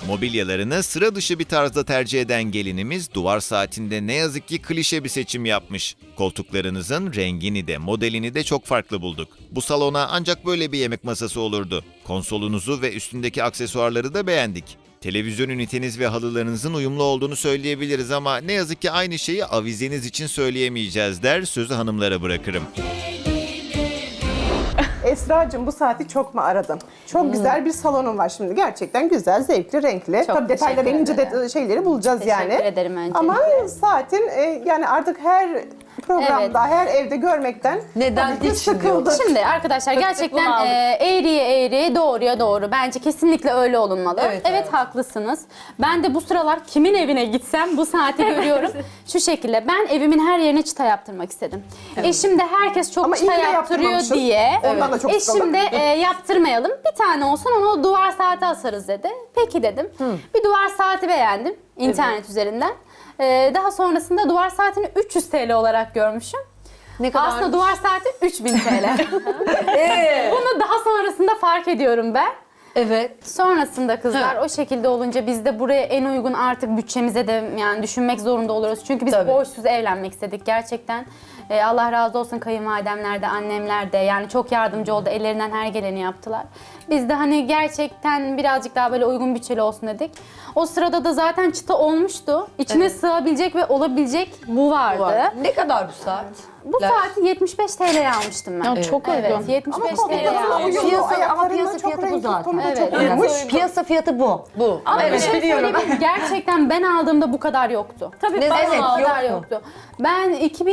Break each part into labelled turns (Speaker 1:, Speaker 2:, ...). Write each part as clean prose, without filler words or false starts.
Speaker 1: Mobilyalarını sıra dışı bir tarzda tercih eden gelinimiz duvar saatinde ne yazık ki klişe bir seçim yapmış. Koltuklarınızın rengini de modelini de çok farklı bulduk. Bu salona ancak böyle bir yemek masası olurdu. Konsolunuzu ve üstündeki aksesuarları da beğendik. Televizyon üniteniz ve halılarınızın uyumlu olduğunu söyleyebiliriz ama ne yazık ki aynı şeyi avizeniz için söyleyemeyeceğiz der, sözü hanımlara bırakırım.
Speaker 2: Esra'cığım bu saati çok mu aradın? Çok güzel bir salonun var şimdi. Gerçekten güzel, zevkli, renkli.
Speaker 3: Çok
Speaker 2: Tabii detayları,
Speaker 3: teşekkür
Speaker 2: ince
Speaker 3: ederim.
Speaker 2: şeyleri bulacağız
Speaker 3: Teşekkür
Speaker 2: yani.
Speaker 3: ederim öncelikle.
Speaker 2: Ama saatin yani artık her programda, her evde görmekten
Speaker 4: Neden
Speaker 2: tabii ki
Speaker 4: hiç bilmiyorum.
Speaker 2: sıkıldık.
Speaker 3: Şimdi arkadaşlar gerçekten
Speaker 4: bunu aldık.
Speaker 3: eğriye eğri, doğruya doğru. Bence kesinlikle öyle olunmalı.
Speaker 4: Evet,
Speaker 3: Evet,
Speaker 4: evet.
Speaker 3: haklısınız. Ben de bu sıralar kimin evine gitsem bu saati görüyorum. Şu şekilde ben evimin her yerine çıta yaptırmak istedim. Eşim de herkes çok
Speaker 2: Ama iyi
Speaker 3: çıta
Speaker 2: ki de
Speaker 3: yaptırıyor
Speaker 2: yaptırmamışsın.
Speaker 3: diye.
Speaker 2: Ondan da çok
Speaker 3: Eşim de yaptırmayalım. Bir tane olsun onu duvar saati asarız dedi. Peki dedim. Bir duvar saati beğendim internet üzerinden. Daha sonrasında duvar saatini 300 TL olarak görmüşüm.
Speaker 4: Ne kadar?
Speaker 3: Aslında duvar saati 3000 TL. Bunu daha sonrasında fark ediyorum ben.
Speaker 4: Evet.
Speaker 3: Sonrasında kızlar o şekilde olunca biz de buraya en uygun artık bütçemize de yani düşünmek zorunda oluyoruz. Çünkü biz
Speaker 4: Tabii.
Speaker 3: borçsuz evlenmek istedik gerçekten. Allah razı olsun kayınvalidemler de annemler de yani çok yardımcı oldu. Ellerinden her geleni yaptılar. Biz de hani gerçekten birazcık daha böyle uygun bütçeli olsun dedik. O sırada da zaten çıta olmuştu. İçine sığabilecek ve olabilecek bu vardı.
Speaker 4: Ne kadar bu saat?
Speaker 3: Bu saati 75 TL'ye almıştım ben.
Speaker 5: Ya çok
Speaker 3: Evet,
Speaker 5: uygun.
Speaker 3: 75
Speaker 2: Ama
Speaker 3: TL'ye
Speaker 2: koltuklarına
Speaker 3: almıştım.
Speaker 2: uyumlu,
Speaker 5: Piyasa- ama
Speaker 2: ayaklarından
Speaker 5: piyasa
Speaker 2: çok
Speaker 5: fiyatı bu
Speaker 2: renkli,
Speaker 5: zaten.
Speaker 2: konuda
Speaker 3: Evet.
Speaker 2: çok uyumuş.
Speaker 5: Piyasa fiyatı bu.
Speaker 4: Bu.
Speaker 3: Ama
Speaker 4: evet.
Speaker 3: bir şey söyleyeyim mi? Gerçekten ben aldığımda bu kadar yoktu. Tabii
Speaker 4: Ne
Speaker 3: ben
Speaker 4: demek?
Speaker 3: bu kadar yoktu. Ben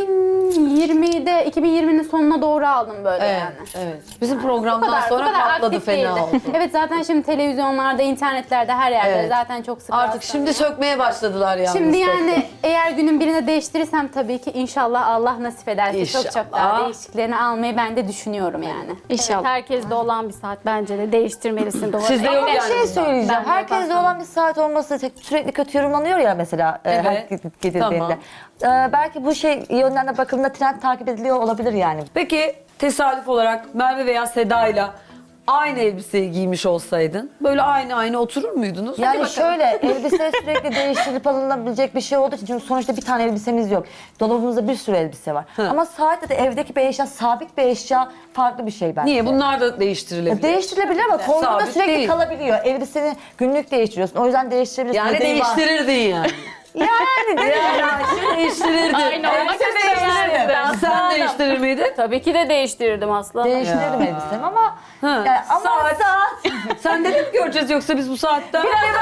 Speaker 3: 2020'nin sonuna doğru aldım böyle
Speaker 4: Evet,
Speaker 3: yani.
Speaker 4: evet. Bizim programdan
Speaker 3: Bu
Speaker 4: sonra
Speaker 3: kadar
Speaker 4: patladı
Speaker 3: aktif
Speaker 4: fena
Speaker 3: değildi.
Speaker 4: oldu.
Speaker 3: Evet zaten şimdi televizyonlarda, internetlerde her yerde
Speaker 4: Evet.
Speaker 3: zaten çok sık
Speaker 4: Artık şimdi sökmeye başladılar yalnız.
Speaker 3: Şimdi
Speaker 4: tek
Speaker 3: yani
Speaker 4: tek.
Speaker 3: eğer günün birine değiştirirsem tabii ki inşallah Allah nasip ederse çok çok daha
Speaker 4: İnşallah.
Speaker 3: değişiklerini almayı ben de düşünüyorum yani.
Speaker 5: İnşallah.
Speaker 6: Herkeste olan bir saat bence de değiştirmelisin. Doğru.
Speaker 4: Sizde yok
Speaker 5: Bir
Speaker 4: yani.
Speaker 5: şey söyleyeceğim.
Speaker 6: Ben
Speaker 5: Herkeste olan bir saat olması sürekli kötü yorumlanıyor ya mesela her
Speaker 4: Evet.
Speaker 5: gidildiğinde. Belki bu şey yönden de bakıldığında trend takip ediliyor olabilir yani.
Speaker 4: Peki tesadüf olarak Merve veya Seda'yla aynı elbiseyi giymiş olsaydın böyle aynı oturur muydunuz?
Speaker 5: Yani şöyle elbise sürekli değiştirilip alınabilecek bir şey olduğu için çünkü sonuçta bir tane elbisemiz yok. Dolabımızda bir sürü elbise var. Ama saatte de evdeki bir eşya, sabit bir eşya farklı bir şey bence.
Speaker 4: Niye? Bunlar da değiştirilebilir.
Speaker 5: Değiştirilebilir ama kolunda
Speaker 4: Sabit
Speaker 5: sürekli
Speaker 4: değil.
Speaker 5: kalabiliyor. Elbiseni günlük değiştiriyorsun. O yüzden değiştirebilirsin.
Speaker 4: Yani
Speaker 5: Nedeni var.
Speaker 4: değiştirirdin yani.
Speaker 5: Yani değil mi?
Speaker 4: Yani değiştirirdin.
Speaker 6: Aynı olmak
Speaker 4: Elbise
Speaker 6: istemezdim.
Speaker 4: değiştirirdin. Sen değiştirir miydin?
Speaker 6: Tabii ki de değiştirirdim aslanım.
Speaker 5: Değiştirirdim elbisemi ama yani ama
Speaker 4: Saat. Sen de mi göreceğiz yoksa biz bu saatten?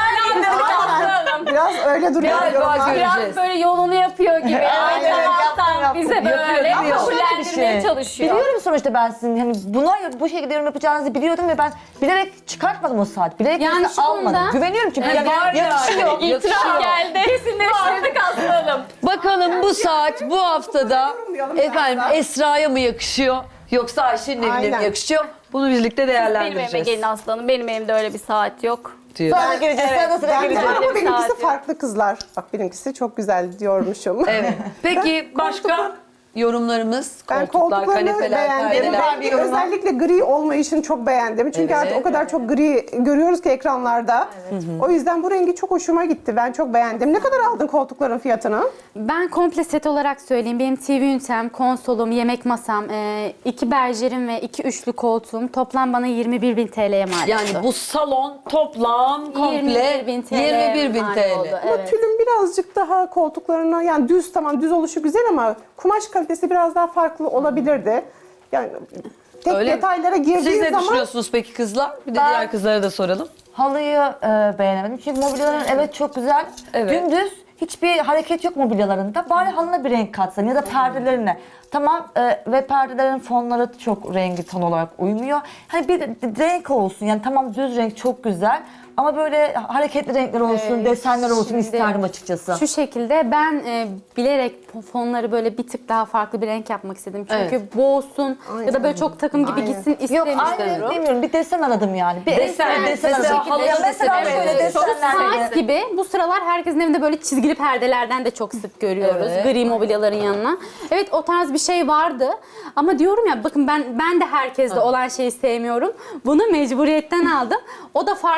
Speaker 2: Biraz öyle duruyor
Speaker 4: Galiba
Speaker 2: yorumlar.
Speaker 4: göreceğiz.
Speaker 6: Biraz böyle yolunu yapıyor gibi.
Speaker 5: Aynen,
Speaker 6: Aynen alttan
Speaker 5: yaptım.
Speaker 6: bize böyle
Speaker 4: Yapıyor.
Speaker 6: kabullendirmeye çalışıyor.
Speaker 5: biliyorum sonuçta ben sizin hani bu şekilde yorum yapacağınızı biliyordum ve ben bilerek çıkartmadım o saat. Bilerek
Speaker 3: Yani
Speaker 5: yani
Speaker 3: şu
Speaker 5: almadım.
Speaker 3: konuda-
Speaker 5: Güveniyorum çünkü
Speaker 4: Evet, var yani.
Speaker 5: yakışıyor.
Speaker 6: İtiraf geldi. Kesinleştirdik aslanım.
Speaker 4: Bakalım bu saat bu haftada
Speaker 2: Yorumlayalım
Speaker 4: efendim
Speaker 2: biraz daha.
Speaker 4: Esra'ya mı yakışıyor yoksa Ayşe'nin evine mi
Speaker 2: Aynen.
Speaker 4: yakışıyor? Bunu birlikte
Speaker 6: Benim evime
Speaker 4: değerlendireceğiz.
Speaker 6: gelin aslanım. Benim evimde öyle bir saat yok.
Speaker 4: diyor.
Speaker 5: Sonra gireceğiz. Sonra sıra
Speaker 2: Ben de
Speaker 5: gireceğiz.
Speaker 2: ama benimkisi
Speaker 6: saat yok.
Speaker 2: farklı kızlar. Bak benimkisi çok güzel diyormuşum.
Speaker 4: Evet. Peki başka yorumlarımız?
Speaker 2: Ben
Speaker 4: Koltuklar,
Speaker 2: koltuklarını
Speaker 4: kanepeler,
Speaker 2: beğendim.
Speaker 4: perdeler.
Speaker 2: Özellikle gri olmayışını çok beğendim. Çünkü
Speaker 4: Evet.
Speaker 2: artık o kadar çok gri görüyoruz ki ekranlarda. O yüzden bu rengi çok hoşuma gitti. Ben çok beğendim. Ne kadar aldın koltukların fiyatını?
Speaker 3: Ben komple set olarak söyleyeyim. Benim TV ünitem, konsolum, yemek masam, 2 berjerim ve 2 üçlü koltuğum toplam bana 21.000 TL'ye mal oldu.
Speaker 4: Yani bu salon toplam komple
Speaker 3: 21.000 TL
Speaker 4: 21.000
Speaker 3: mal
Speaker 4: TL.
Speaker 3: oldu,
Speaker 2: Ama
Speaker 3: evet.
Speaker 2: tülün birazcık daha koltuklarına yani düz tamam düz oluşu güzel ama kumaş kalitesi biraz daha farklı olabilirdi. Yani tek
Speaker 4: Öyle mi?
Speaker 2: detaylara
Speaker 4: Siz
Speaker 2: girdiği
Speaker 4: ne
Speaker 2: zaman
Speaker 4: düşünüyorsunuz peki kızlar? Bir de
Speaker 5: Ben-
Speaker 4: diğer kızlara da soralım.
Speaker 5: Halıyı beğenemedim. Çünkü mobilyaların evet çok güzel.
Speaker 4: Evet.
Speaker 5: Dümdüz hiçbir hareket yok mobilyalarında. Bari halına bir renk katsan ya da perdelerine. Tamam ve perdelerin fonları çok rengi ton olarak uymuyor. Hani bir renk olsun yani tamam düz renk çok güzel. Ama böyle hareketli renkler olsun, desenler olsun
Speaker 3: şimdi
Speaker 5: isterdim açıkçası.
Speaker 3: Şu şekilde ben bilerek fonları böyle bir tık daha farklı bir renk yapmak istedim. Çünkü boğulsun ya da böyle çok takım gibi
Speaker 2: Aynen.
Speaker 3: gitsin
Speaker 5: Yok
Speaker 3: istemiştim.
Speaker 5: aynı renk demiyorum. Bir desen aradım yani. Bir
Speaker 4: Desen, mesela
Speaker 5: aradım.
Speaker 4: halıya
Speaker 5: Ya mesela
Speaker 4: mesela
Speaker 5: şöyle
Speaker 4: evet.
Speaker 5: desenler.
Speaker 3: Saat gibi bu sıralar herkesin evinde böyle çizgili perdelerden de çok sık görüyoruz.
Speaker 4: Evet.
Speaker 3: Gri mobilyaların yanına. Evet o tarz bir şey vardı. Ama diyorum ya bakın ben de herkeste olan şeyi sevmiyorum. Bunu mecburiyetten aldım. O da farklı olsun.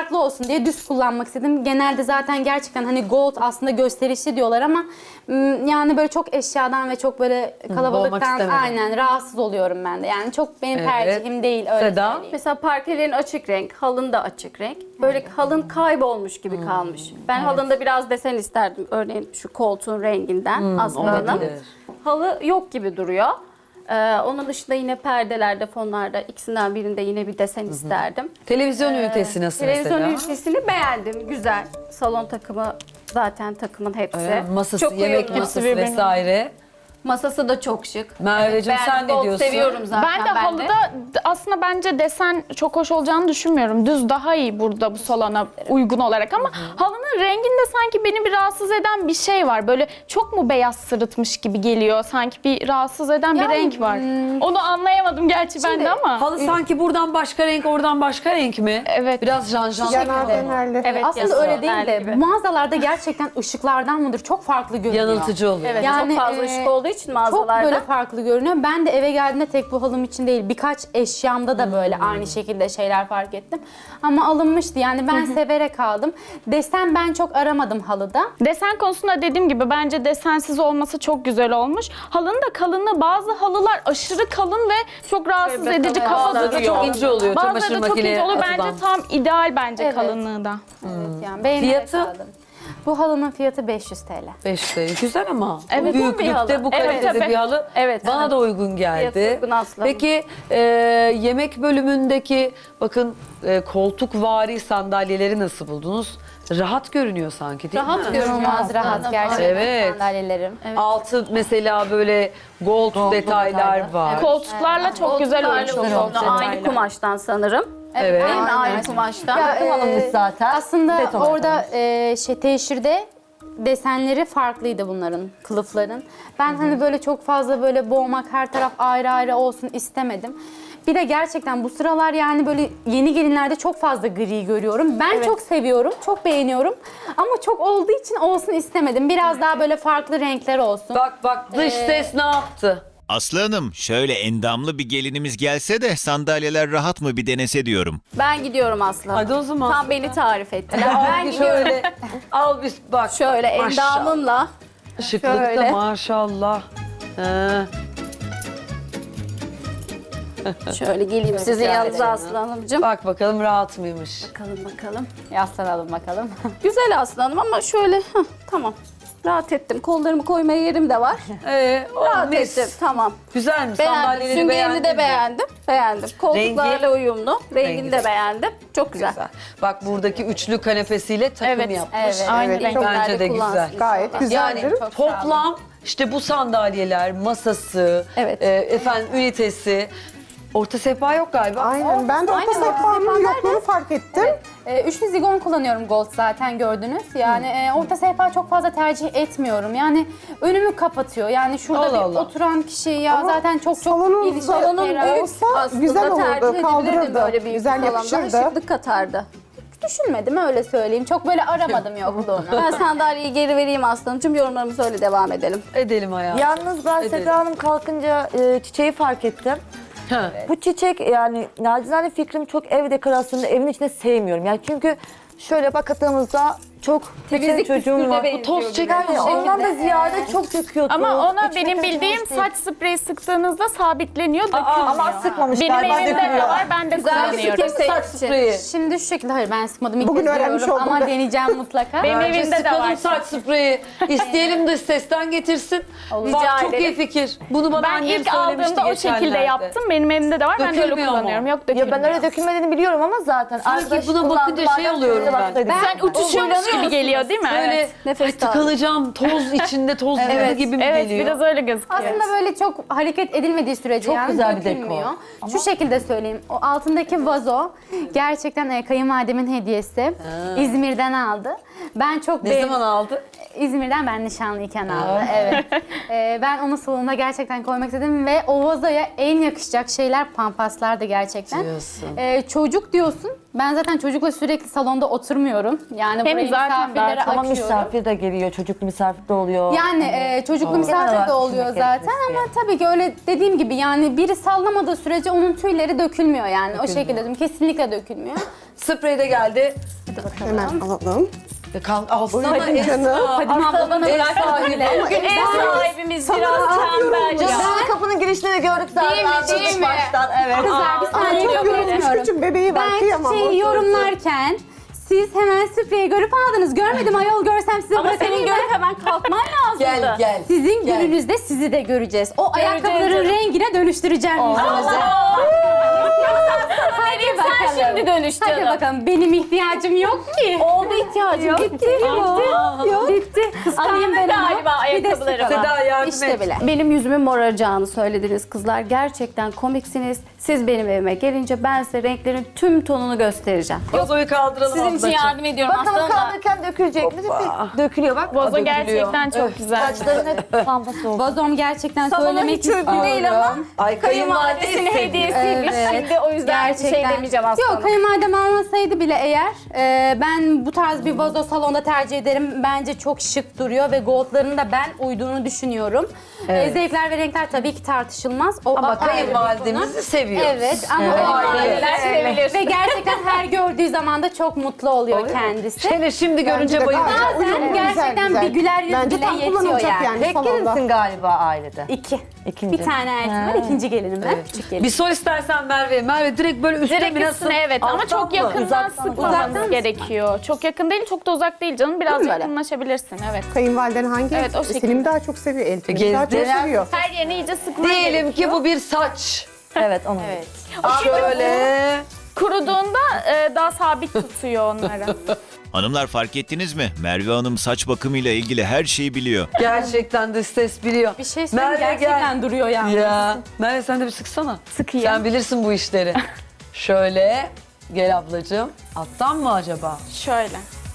Speaker 3: olsun diye düz kullanmak istedim. Genelde zaten gerçekten hani gold aslında gösterişli diyorlar ama yani böyle çok eşyadan ve çok böyle
Speaker 4: boğmak
Speaker 3: kalabalıktan
Speaker 4: istemedim.
Speaker 3: aynen rahatsız oluyorum ben de. Yani çok benim
Speaker 4: Evet.
Speaker 3: tercihim değil öyle
Speaker 4: Seda?
Speaker 3: söyleyeyim.
Speaker 6: Mesela parkelerin açık renk, halın da açık renk. Böyle halın kaybolmuş gibi kalmış. Ben halında biraz desen isterdim. Örneğin şu koltuğun renginden aslında.
Speaker 4: olabilir.
Speaker 6: Halı yok gibi duruyor. Onun dışında yine perdelerde, fonlarda ikisinden birinde yine bir desen isterdim.
Speaker 4: Televizyon ünitesi nasıl
Speaker 6: Televizyon
Speaker 4: mesela?
Speaker 6: ünitesini beğendim. Güzel. Salon takımı zaten takımın hepsi.
Speaker 4: Masası,
Speaker 6: Çok
Speaker 4: yemek
Speaker 6: uyumlu.
Speaker 4: masası vesaire.
Speaker 6: Masası da çok şık.
Speaker 4: Merveciğim
Speaker 6: Ben
Speaker 4: sen ne
Speaker 6: gold
Speaker 4: diyorsun?
Speaker 6: seviyorum zaten
Speaker 7: Ben de halıda aslında bence desen çok hoş olacağını düşünmüyorum. Düz daha iyi burada bu salona uygun olarak ama halının renginde sanki beni bir rahatsız eden bir şey var. Böyle çok mu beyaz sırıtmış gibi geliyor. Sanki bir rahatsız eden bir
Speaker 3: Yani,
Speaker 7: renk var. Onu anlayamadım gerçi ben de ama.
Speaker 4: Halı sanki buradan başka renk, oradan başka renk mi?
Speaker 7: Evet.
Speaker 4: Biraz janjanlı.
Speaker 2: Yanar dönerli.
Speaker 6: Evet,
Speaker 3: Aslında
Speaker 6: yazılı
Speaker 3: öyle değil de
Speaker 6: gibi.
Speaker 3: mağazalarda gerçekten ışıklardan mıdır çok farklı görünüyor.
Speaker 4: Yanıltıcı oluyor.
Speaker 6: Evet,
Speaker 3: Yani,
Speaker 6: çok fazla ışık olduğu için
Speaker 3: Çok
Speaker 6: mağazalarda.
Speaker 3: böyle farklı görünüyor. Ben de eve geldiğimde tek bu halım için değil birkaç eşyamda da böyle aynı şekilde şeyler fark ettim. Ama alınmıştı yani ben severek aldım. Desen ben çok aramadım halıda.
Speaker 7: Desen konusunda dediğim gibi bence desensiz olması çok güzel olmuş. Halının da kalınlığı, bazı halılar aşırı kalın ve çok rahatsız
Speaker 6: Şöyle
Speaker 7: edici
Speaker 6: kalın.
Speaker 7: kafa
Speaker 6: Bazıları da
Speaker 7: duruyor.
Speaker 4: çok ince oluyor,
Speaker 7: Bazıları
Speaker 4: çamaşır
Speaker 7: da çok
Speaker 4: makineye
Speaker 7: ince oluyor.
Speaker 4: atılan.
Speaker 7: Bence tam ideal bence
Speaker 3: Evet.
Speaker 7: kalınlığı da.
Speaker 3: Evet yani beğenerek
Speaker 4: Fiyatı?
Speaker 3: aldım. Bu halının fiyatı 500 TL.
Speaker 4: 5 TL. Güzel ama.
Speaker 7: Evet,
Speaker 4: Bu büyüklükte,
Speaker 6: bir halı.
Speaker 4: bu
Speaker 6: Evet,
Speaker 4: kalitede
Speaker 7: tabii.
Speaker 4: bir halı
Speaker 6: Evet,
Speaker 4: bana
Speaker 6: evet.
Speaker 4: da uygun geldi.
Speaker 6: Fiyatı uygun aslında.
Speaker 4: Peki yemek bölümündeki bakın koltukvari sandalyeleri nasıl buldunuz? Rahat görünüyor sanki değil
Speaker 6: Rahat
Speaker 4: mi?
Speaker 6: görünüyor.
Speaker 3: İnanılmaz rahat gerçekten
Speaker 4: Evet.
Speaker 3: sandalyelerim.
Speaker 4: Altı mesela böyle gold detaylar var.
Speaker 7: Koltuklarla çok güzel uymuş.
Speaker 6: Uyumlu, aynı kumaştan sanırım.
Speaker 4: Evet.
Speaker 6: Değil mi? Aynı kumaştan.
Speaker 5: Takım alınmış zaten.
Speaker 3: Aslında
Speaker 5: Set olarak
Speaker 3: orada teşhirde desenleri farklıydı bunların, kılıfların. Ben hani böyle çok fazla böyle boğmak, her taraf ayrı ayrı olsun istemedim. Bir de gerçekten bu sıralar yani böyle yeni gelinlerde çok fazla gri görüyorum. Ben çok seviyorum, çok beğeniyorum. Ama çok olduğu için olsun istemedim. Biraz daha böyle farklı renkler olsun.
Speaker 4: Bak dış ses ne yaptı?
Speaker 1: Aslı Hanım, şöyle endamlı bir gelinimiz gelse de sandalyeler rahat mı bir denese diyorum.
Speaker 6: Ben gidiyorum Aslı.
Speaker 4: Hadi o zaman.
Speaker 6: Tam beni tarif ettiler.
Speaker 4: Al
Speaker 6: Ben
Speaker 4: bir
Speaker 6: gidiyorum.
Speaker 4: şöyle al bir bak.
Speaker 6: Şöyle
Speaker 4: Maşallah.
Speaker 6: endamımla.
Speaker 4: Şıklık da
Speaker 6: şöyle.
Speaker 4: maşallah. He.
Speaker 6: Şöyle geleyim sizin yanınıza Aslı Hanımcığım.
Speaker 4: Bak bakalım rahat mıymış?
Speaker 6: Bakalım.
Speaker 3: Yaslanalım bakalım.
Speaker 6: Güzel Aslı Hanım ama şöyle tamam. Rahat ettim. Kollarımı koymaya yerim de var. Rahat
Speaker 4: mis.
Speaker 6: ettim. Tamam.
Speaker 4: Güzel mi?
Speaker 6: Beğendim.
Speaker 4: Sandalyeleri
Speaker 6: Süngerini
Speaker 4: beğendin
Speaker 6: de
Speaker 4: mi?
Speaker 6: beğendim. Beğendim. Koltuklarla uyumlu. Rengini
Speaker 4: Rengi
Speaker 6: de
Speaker 4: de.
Speaker 6: beğendim. Çok güzel.
Speaker 4: Güzel. Bak buradaki üçlü kanepesiyle takım
Speaker 7: Evet,
Speaker 4: yapmış.
Speaker 3: evet.
Speaker 7: Aynı
Speaker 2: Evet,
Speaker 7: renk.
Speaker 2: çok-
Speaker 4: Bence de
Speaker 6: kullansın
Speaker 4: güzel.
Speaker 6: inşallah.
Speaker 2: Gayet güzeldir.
Speaker 4: Yani toplam işte bu sandalyeler, masası,
Speaker 6: Evet.
Speaker 4: efendim ünitesi. Orta sehpa yok galiba.
Speaker 2: Aynen. Ben de orta
Speaker 3: Aynen, orta
Speaker 2: sehpanın
Speaker 3: sehpa
Speaker 2: yokluğunu fark ettim.
Speaker 3: Üçlü zigon kullanıyorum gold zaten gördünüz. Yani orta sehpa çok fazla tercih etmiyorum. Yani önümü kapatıyor. Yani şurada
Speaker 4: Allah
Speaker 3: bir
Speaker 4: Allah.
Speaker 3: oturan kişi ya
Speaker 2: Ama
Speaker 3: zaten çok
Speaker 2: salonun
Speaker 3: geniş,
Speaker 2: salonun
Speaker 3: ferah.
Speaker 2: büyük olsa güzel olurdu,
Speaker 6: tercih
Speaker 2: kaldırırdı.
Speaker 6: edebilirdim böyle büyük
Speaker 2: Güzel
Speaker 6: salonda.
Speaker 2: yakışırdı.
Speaker 6: Şıklık katardı.
Speaker 3: Düşünmedim öyle söyleyeyim. Çok böyle aramadım yokluğunu.
Speaker 6: Ben sandalyeyi geri vereyim Aslı'nım. Yorumlarımıza öyle devam edelim.
Speaker 4: Edelim hayatım.
Speaker 5: Yalnız ben
Speaker 4: Evet.
Speaker 5: Seda Hanım kalkınca çiçeği fark ettim.
Speaker 4: Ha.
Speaker 5: Bu çiçek yani nacizane fikrim çok ev dekorasyonunda evin içinde sevmiyorum. Yani çünkü şöyle bakıldığımızda çok
Speaker 6: Temizlik
Speaker 5: çocuğum var.
Speaker 6: püskürde
Speaker 5: Bu
Speaker 6: benziyor gibi.
Speaker 5: yani ondan da ziyade çok döküyordu.
Speaker 7: Ama ona
Speaker 5: İçime
Speaker 7: benim
Speaker 5: kaçırmış
Speaker 7: bildiğim
Speaker 5: değil.
Speaker 7: saç spreyi sıktığınızda sabitleniyor, dökülmüyor.
Speaker 5: Ama sıkmamış
Speaker 7: Benim
Speaker 5: galiba
Speaker 7: evimde de
Speaker 5: dökülüyor.
Speaker 7: var, ben de
Speaker 6: Güzel bir
Speaker 7: kullanıyorum.
Speaker 6: fikir
Speaker 4: Saç
Speaker 6: seçti.
Speaker 4: spreyi.
Speaker 3: Şimdi şu şekilde hayır ben sıkmadım. İlk
Speaker 2: Bugün
Speaker 3: kez
Speaker 2: öğrenmiş
Speaker 3: görüyorum
Speaker 2: oldum
Speaker 3: ama
Speaker 2: ben.
Speaker 3: deneyeceğim mutlaka.
Speaker 7: Benim
Speaker 4: Bence
Speaker 7: evimde de
Speaker 4: sıkalım
Speaker 7: var.
Speaker 4: saç spreyi. İsteyelim dış sesten getirsin.
Speaker 6: Rica
Speaker 4: Bak çok iyi
Speaker 6: ederim.
Speaker 4: fikir. Bunu bana
Speaker 7: Ben
Speaker 4: annem
Speaker 7: ilk
Speaker 4: söylemişti
Speaker 7: aldığımda o şekilde
Speaker 4: geçenlerde.
Speaker 7: yaptım. Benim evimde de var, ben de öyle
Speaker 4: Dökülmüyor mu?
Speaker 7: kullanıyorum. Yok dökülmüyor.
Speaker 5: Ya ben öyle dökülmediğini biliyorum ama zaten.
Speaker 4: Sanki buna bakınca şey oluyorum ben.
Speaker 7: Sen uçuşuyormuş gibi geliyor değil mi?
Speaker 4: Böyle
Speaker 6: Nefes
Speaker 4: ay, tıkanacağım, toz içinde toz gibi mi
Speaker 7: Evet,
Speaker 4: geliyor?
Speaker 7: biraz öyle gözüküyor.
Speaker 3: Aslında böyle çok hareket edilmediği sürece
Speaker 5: Çok
Speaker 3: yani
Speaker 5: güzel bir
Speaker 3: dökülmüyor.
Speaker 5: dekor.
Speaker 3: Şu şekilde söyleyeyim. O altındaki vazo gerçekten kayınvalidemin hediyesi. İzmir'den aldı. Ben çok
Speaker 4: Ne zaman aldı?
Speaker 3: İzmir'den ben nişanlıyken aldı. Evet. Ben onu salonuma gerçekten koymak istedim ve o vazoya en yakışacak şeyler pampaslardı gerçekten.
Speaker 4: Diyorsun.
Speaker 3: Çocuk diyorsun. Ben zaten çocukla sürekli salonda oturmuyorum. Yani
Speaker 7: Hem
Speaker 3: buraya
Speaker 7: zaten
Speaker 3: misafirlere
Speaker 5: Ama
Speaker 3: açıyorum.
Speaker 5: misafir de geliyor, çocuklu misafir de oluyor.
Speaker 3: Yani çocuklu
Speaker 5: Genel
Speaker 3: misafir
Speaker 5: olarak
Speaker 3: de oluyor
Speaker 5: düşünmek
Speaker 3: zaten
Speaker 5: gerekirse.
Speaker 3: ama tabii ki öyle dediğim gibi yani biri sallamadığı sürece onun tüyleri dökülmüyor yani. O şekilde diyorum. Kesinlikle dökülmüyor.
Speaker 4: Sprey de geldi.
Speaker 2: Hemen alalım.
Speaker 4: Alsana
Speaker 2: Buyurun canım.
Speaker 3: Fadime abla bana
Speaker 4: Ev
Speaker 3: bırak.
Speaker 4: sahibi.
Speaker 6: Bugün ev sahibimiz biraz tembel ya.
Speaker 5: Canım kapının girişinde de gördük zaten.
Speaker 3: Değil mi,
Speaker 5: açılış
Speaker 3: değil mi?
Speaker 5: baştan. Evet.
Speaker 3: Kızlar bir saniye
Speaker 2: Çok
Speaker 3: yorumlayalım.
Speaker 2: yorulmuş küçük bebeği var.
Speaker 3: Ben
Speaker 2: Kıyamam.
Speaker 3: çiçeği yorumlarken siz hemen spreyi görüp aldınız. Görmedim ayol, görsem size
Speaker 6: Ama senin
Speaker 3: bırakayım
Speaker 6: görüp
Speaker 3: ben.
Speaker 6: hemen kalkman lazımdı.
Speaker 4: Gel.
Speaker 3: Sizin
Speaker 4: Gel.
Speaker 3: gününüzde sizi de göreceğiz. O ayakkabıların
Speaker 6: canım.
Speaker 3: rengine dönüştüreceğim yüzünüzü. Hadi
Speaker 6: Sen
Speaker 3: bakalım.
Speaker 6: şimdi dönüş
Speaker 3: Hadi
Speaker 6: canım.
Speaker 3: bakalım. Benim ihtiyacım yok ki.
Speaker 6: Oldu ihtiyacım. Bitti.
Speaker 3: Yok. Bitti. Alayım ben onu.
Speaker 6: Galiba
Speaker 3: Bir de
Speaker 6: ayakkabıları
Speaker 3: sıkı.
Speaker 6: var.
Speaker 4: Seda yardım
Speaker 3: İşte
Speaker 4: et.
Speaker 3: bile.
Speaker 6: Benim yüzümün moraracağını söylediniz kızlar. Gerçekten komiksiniz. Siz benim evime gelince ben size renklerin tüm tonunu göstereceğim.
Speaker 4: Vazoyu kaldıralım
Speaker 6: Sizin için
Speaker 4: ablacığım.
Speaker 6: yardım ediyorum
Speaker 5: Bakalım
Speaker 6: aslında.
Speaker 5: kaldırırken dökülecek mi? Dökülüyor bak.
Speaker 7: Vazo
Speaker 4: dökülüyor.
Speaker 7: gerçekten çok güzel.
Speaker 5: Saçların hep pampası oldu.
Speaker 3: Vazom gerçekten
Speaker 6: Salona
Speaker 3: söylemek
Speaker 6: hiç uygun değil ama
Speaker 4: Ay
Speaker 6: kayınvalidesinin hediyesiymiş.
Speaker 3: Evet.
Speaker 6: Şimdi o yüzden bir şey demeyeceğim aslında.
Speaker 3: Yok, kayınvalidem almasaydı bile eğer ben bu tarz bir vazo salonda tercih ederim. Bence çok şık duruyor ve goldların da ben uyduğunu düşünüyorum. Zevkler ve renkler tabii ki tartışılmaz. O
Speaker 4: Ama
Speaker 3: ayrı bir
Speaker 4: kayınvalidemizi
Speaker 3: konu.
Speaker 4: seviyoruz.
Speaker 3: Evet ama
Speaker 6: Kayınvalideler sevilir.
Speaker 3: ve gerçekten her gördüğü zaman da çok mutlu oluyor kendisi.
Speaker 4: Hele şimdi görünce
Speaker 2: de
Speaker 4: bayılacağım.
Speaker 2: gayet
Speaker 3: Bazen
Speaker 2: uyumlu,
Speaker 3: gerçekten
Speaker 2: güzel,
Speaker 3: bir güler yüz
Speaker 2: Bence
Speaker 3: bile
Speaker 2: tam
Speaker 3: yetiyor
Speaker 2: kullanılacak
Speaker 3: yani.
Speaker 2: yani
Speaker 5: Tek
Speaker 2: salonda.
Speaker 5: gelinsin galiba ailede.
Speaker 3: İki.
Speaker 5: İkinci.
Speaker 3: Bir tane erkek var, ikinci gelinim ben. Küçük gelin.
Speaker 4: Bir sor istersen Merve. Merve direkt böyle üstte
Speaker 7: Direkt
Speaker 4: mi nasıl?
Speaker 7: üstüne evet ama
Speaker 4: Alttan
Speaker 7: çok
Speaker 4: mı?
Speaker 7: yakından
Speaker 5: Uzaktan mı?
Speaker 7: sıkmamanız
Speaker 3: Uzaktan
Speaker 7: gerekiyor. Çok yakın değil, çok da uzak değil canım. Biraz
Speaker 3: Değil mi böyle?
Speaker 7: yakınlaşabilirsin evet.
Speaker 2: Kayınvaliden hangi?
Speaker 7: Evet, o şekilde.
Speaker 2: Selim daha çok seviyor. Elif'in daha çok
Speaker 4: Gezdiler.
Speaker 2: seviyor.
Speaker 7: Her yerini iyice sıkman
Speaker 4: Diyelim
Speaker 7: gerekiyor.
Speaker 4: ki bu bir saç.
Speaker 5: Evet onu.
Speaker 3: Evet.
Speaker 4: Şöyle.
Speaker 7: Kuruduğunda daha sabit tutuyor onları.
Speaker 1: Hanımlar, fark ettiniz mi? Merve Hanım saç bakımıyla ilgili her şeyi biliyor.
Speaker 4: Gerçekten de ses biliyor.
Speaker 3: Bir şey söyleyeyim,
Speaker 4: Merve
Speaker 3: gerçekten
Speaker 4: gel.
Speaker 3: duruyor yani.
Speaker 4: Ya. Merve sen de bir sıksana.
Speaker 7: Sıkayım.
Speaker 4: Sen bilirsin bu işleri. Şöyle. Gel ablacığım. Alttan mı acaba?
Speaker 7: Şöyle.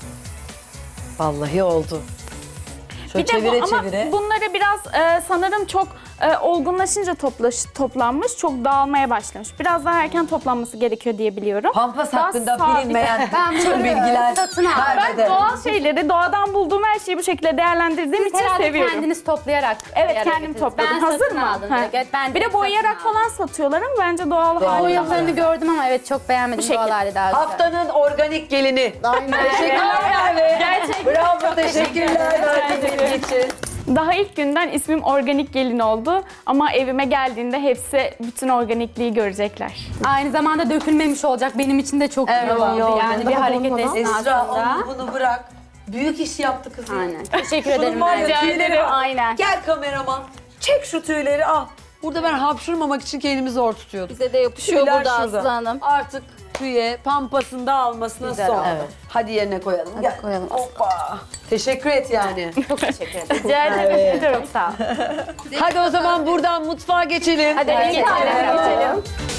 Speaker 4: Vallahi oldu. Şöyle
Speaker 7: Bir de
Speaker 4: çevire
Speaker 7: ama
Speaker 4: çevire.
Speaker 7: bunları biraz sanırım çok olgunlaşınca toplanmış, çok dağılmaya başlamış. Biraz daha erken toplanması gerekiyor diye biliyorum.
Speaker 4: Pampas
Speaker 7: Daha
Speaker 4: hakkında
Speaker 7: sabit.
Speaker 4: bilinmeyen
Speaker 3: Ben
Speaker 4: tüm
Speaker 3: bunları
Speaker 4: bilgiler
Speaker 3: satın aldım.
Speaker 7: Ben
Speaker 4: Merve'de.
Speaker 7: doğal şeyleri, doğadan bulduğum her şeyi bu şekilde değerlendirdiğim için
Speaker 3: Herhalde
Speaker 7: seviyorum.
Speaker 3: kendiniz toplayarak.
Speaker 7: Evet
Speaker 3: bir araya
Speaker 7: kendim
Speaker 3: getirdiniz.
Speaker 7: topladım.
Speaker 3: Ben
Speaker 7: Hazır
Speaker 3: satın
Speaker 7: mı?
Speaker 3: aldım
Speaker 7: Ha.
Speaker 3: direkt. Evet, ben
Speaker 7: Bir de
Speaker 3: direkt
Speaker 7: boyayarak
Speaker 3: satın aldım.
Speaker 7: falan satıyorlar ama bence doğal hali.
Speaker 3: Boyalarını gördüm ama evet çok beğenmedim.
Speaker 7: şekilde.
Speaker 3: Doğal hali daha güzel.
Speaker 4: Haftanın organik gelini.
Speaker 2: Aynen.
Speaker 4: Teşekkürler Merve.
Speaker 7: Gerçekten.
Speaker 4: Bravo, teşekkürler verdiğin için.
Speaker 7: Daha ilk günden ismim organik gelin oldu ama evime geldiğinde hepsi bütün organikliği görecekler.
Speaker 3: Aynı zamanda dökülmemiş olacak. Benim için de çok iyi
Speaker 4: Evet,
Speaker 3: oldu.
Speaker 4: iyi oldu.
Speaker 3: Yani bir
Speaker 2: Daha
Speaker 3: hareket
Speaker 2: dolmadan.
Speaker 3: esnasında.
Speaker 4: Esra onu bunu bırak. Büyük iş yaptı kızım.
Speaker 3: Aynen. Teşekkür
Speaker 4: Şunun
Speaker 3: ederim.
Speaker 4: var ya,
Speaker 3: Merve.
Speaker 4: tüyleri al.
Speaker 6: Aynen.
Speaker 4: Gel kameraman. Çek şu tüyleri al. Burada ben hapşurmamak için kendimi zor tutuyordum.
Speaker 6: Bize de yapışıyor
Speaker 4: Tüyler
Speaker 6: burada
Speaker 4: şurada.
Speaker 6: Aslı Hanım.
Speaker 4: Artık tüye pampasını da almasına
Speaker 3: Güzel
Speaker 4: son.
Speaker 3: oldu.
Speaker 4: Evet. Hadi yerine koyalım. Gel.
Speaker 3: koyalım.
Speaker 4: Hoppa. Teşekkür et yani.
Speaker 3: Çok teşekkür ederim.
Speaker 7: Rica ederim.
Speaker 3: Çok sağ ol.
Speaker 4: Hadi o zaman buradan mutfağa geçelim.
Speaker 3: Hadi geçelim.